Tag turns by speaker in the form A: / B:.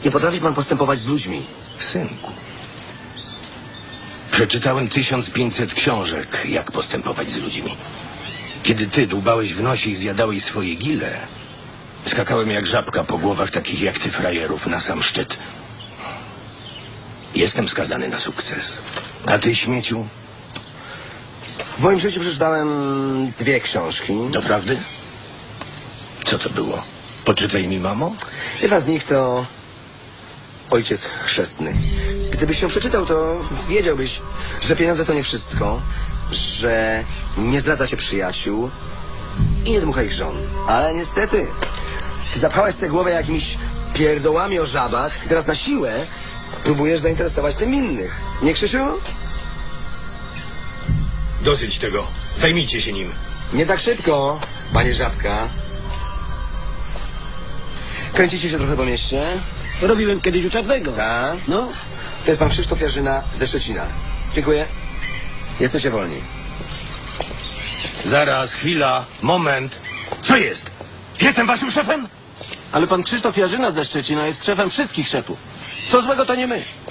A: Nie potrafi pan postępować z ludźmi.
B: Synku, przeczytałem 1500 książek, jak postępować z ludźmi. Kiedy ty dłubałeś w nosie i zjadałeś swoje gile, skakałem jak żabka po głowach takich jak ty frajerów na sam szczyt. Jestem skazany na sukces. A ty, śmieciu?
A: W moim życiu przeczytałem 2 książki.
B: Doprawdy? Co to było? Poczytaj mi, mamo?
A: Jedna z nich to Ojciec Chrzestny. Gdybyś ją przeczytał, to wiedziałbyś, że pieniądze to nie wszystko, że nie zdradza się przyjaciół i nie dmucha ich żon. Ale niestety, ty zapchałeś sobie głowę jakimiś pierdołami o żabach i teraz na siłę próbujesz zainteresować tym innych. Nie, Krzysiu?
B: Dosyć tego. Zajmijcie się nim.
A: Nie tak szybko, panie Żabka. Kręcicie się trochę po mieście?
C: Robiłem kiedyś u Czarnego.
A: Tak?
C: No,
A: To jest pan Krzysztof Jarzyna ze Szczecina. Dziękuję. Jesteście wolni.
B: Zaraz, chwila, moment. Co jest? Jestem waszym szefem?
C: ale pan Krzysztof Jarzyna ze Szczecina jest szefem wszystkich szefów. Co złego to nie my.